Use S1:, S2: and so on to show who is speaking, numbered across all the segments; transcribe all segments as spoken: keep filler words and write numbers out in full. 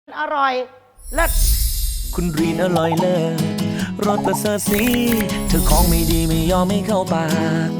S1: อร่อยเลิศ
S2: คุณรีนอร่อยเลิศรสประเสริฐสีเธอของไม่ดีไม่ยอมไม่เข้าปาก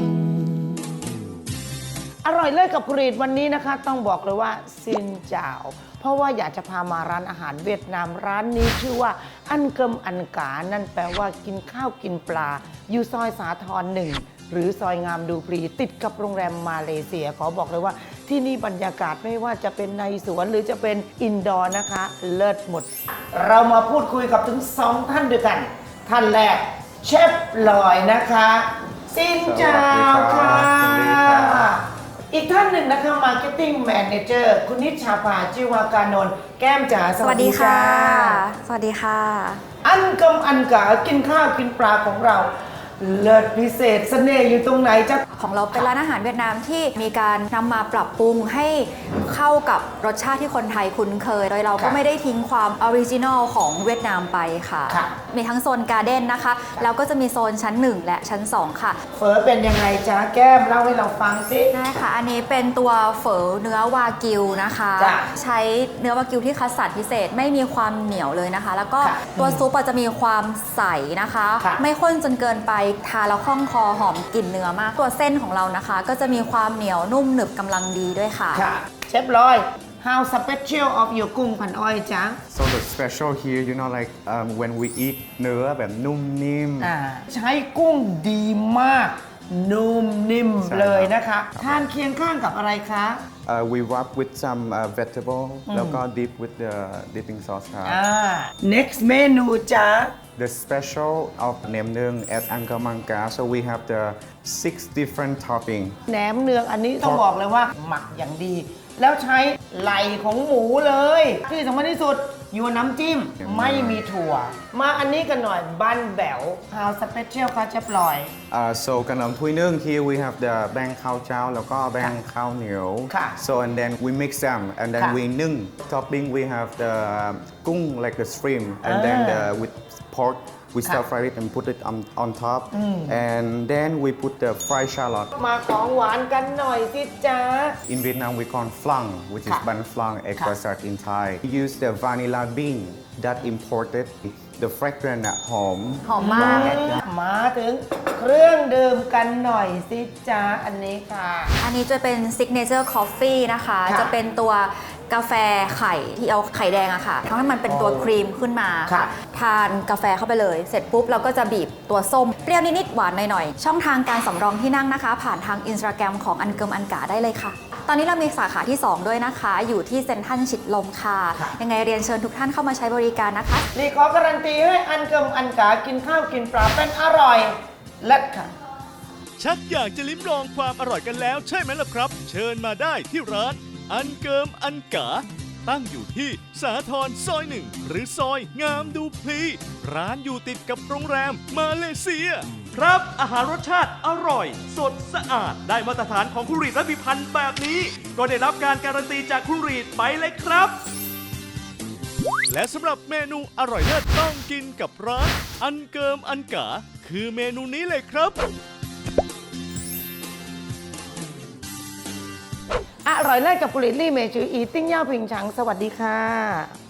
S1: อร่อยเลิศกับคุณรีนวันนี้นะคะต้องบอกเลยว่าซินเจ้าเพราะว่าอยากจะพามาร้านอาหารเวียดนามร้านนี้ชื่อว่าอันเกิมอันกานั่นแปลว่ากินข้าวกินปลาอยู่ซอยสาทรหนึ่งหรือซอยงามดูปรีติดกับโรงแรมมาเลเซียขอบอกเลยว่าที่นี่บรรยากาศไม่ว่าจะเป็นในสวนหรือจะเป็นอินดอร์นะคะเลิศหมดเรามาพูดคุยกับถึงสองท่านด้วยกันท่านแรกเชฟลอยนะคะซินเจ้าค่ะอีกท่านหนึ่งนะคะ Marketing Manager คุณนิชชาภาจิวากานนท์แก้มจ๋าสวัสดีค่ะ
S3: สวัสดีค่ะ
S1: อันกำอันกากินข้าวกินปลาของเราเลิศพิเศษเสน่ห์อยู่ตรงไหนจ๊ะ
S3: ของเราเป็นร้านอาหารเวียดนามที่มีการนำมาปรับปรุงให้เข้ากับรสชาติที่คนไทยคุ้นเคยโดยเราก็ไม่ได้ทิ้งความออริจินอลของเวียดนามไปค่ะมีทั้งโซนการ์เด้นนะคะแล้วก็จะมีโซนชั้นหนึ่งและชั้นสองค่ะ
S1: เฝอเป็นยังไงจ๊ะแก้มเล่าให้เราฟังสิ
S3: ได้ค่ะอันนี้เป็นตัวเฝอเนื้อวากิวนะคะใช้เนื้อวากิวที่คัดสรรพิเศษไม่มีความเหนียวเลยนะคะแล้วก็ตัวซุปจะมีความใสนะคะไม่ข้นจนเกินไปทานแล้วคล่องคอหอมกลิ่นเนื้อมากตัวเส้นของเรานะคะก็จะมีความเหนียวนุ่มหนึบกำลังดีด้วยค่ะ
S1: เชฟลอย how special of your กุ้งพันอ้อยจ๊ะ
S4: so the special here you know like um, when we eat เนื้อแบบนุ่มนิ่ม
S1: ใช้กุ้งดีมากนุ่มนิ่มเลยนะคะทานเคียงข้างกับอะไรคะ
S4: uh, we wrap with some uh, vegetable แล้วก็ dip with the dipping sauce ครับ
S1: next เมนูจ๊ะ
S4: The special of แหนมเนือง at Angkor Mangka so we have the six different topping
S1: แหนมเนืองอันนี้ต้องบอกเลยว่าหมักอย่างดีแล้วใช้ไหล่ของหมูเลยที่สำคัญที่สุดอยู่น้ำจิ้มไม่มีถั่วมาอันนี้กันหน่อยบันแบ๋ว How special คะเชฟลอย
S4: uh, so ขนมถ้วยนึ่ง here we have the แป้งข้าวเจ้าแล้วก็แป้งข้าวเหนียว so and then we mix them and then we นึ่ง topping we have the กุ้ง like the shrimp and then the with pork we stir fry it and put it on on top and then we put the fried shallot
S1: มาของหวานกันหน่อยสิจ๊ะ
S4: in Vietnam we call flan which is bun flan egg custard in Thai we use the vanilla bean that imported the fragrance หอม
S3: หอมมาก
S1: มาถึงเครื่องดื่มกันหน่อยสิจ๊ะอันนี้ค่ะ
S3: อันนี้จะเป็น signature coffee นะคะจะเป็นตัวกาแฟไข่ที่เอาไข่แดงอะค่ะทำให้มันเป็นตัวครีมขึ้นมาทานกาแฟเข้าไปเลยเสร็จปุ๊บเราก็จะบีบตัวส้มเปรี้ยวนิดๆหวานหน่อยๆช่องทางการสำรองที่นั่งนะคะผ่านทาง Instagram ของอันเกิมอันกาได้เลยค่ะตอนนี้เรามีสาขาที่สองด้วยนะคะอยู่ที่เซ็นทรัลชิดลมค่ะยังไงเรียนเชิญทุกท่านเข้ามาใช้บริการนะคะ
S1: รีขอการันตีให้อันเกิมอันกากินข้าวกินปลาเป็นอร่อยเลิศค่ะ
S5: ชักอยากจะลิ้มลองความอร่อยกันแล้วใช่ไหมล่ะครับเชิญมาได้ที่ร้านอันเกิมอันกาตั้งอยู่ที่สาทรซอยหนึ่งหรือซอยงามดูพลีร้านอยู่ติดกับโรงแรมมาเลเซียครับอาหารรสชาติอร่อยสดสะอาดได้มาตรฐานของคุณรีดและพิพันธ์แบบนี้ก็ได้รับการการันตีจากคุณรีดไปเลยครับและสำหรับเมนูอร่อยเลิศต้องกินกับร้านอันเกิมอันกาคือเมนูนี้เลยครับ
S1: อร่อยเลิศกับกุลิลี่เมจูอีติ้งย่าพิงฉังสวัสดีค่ะ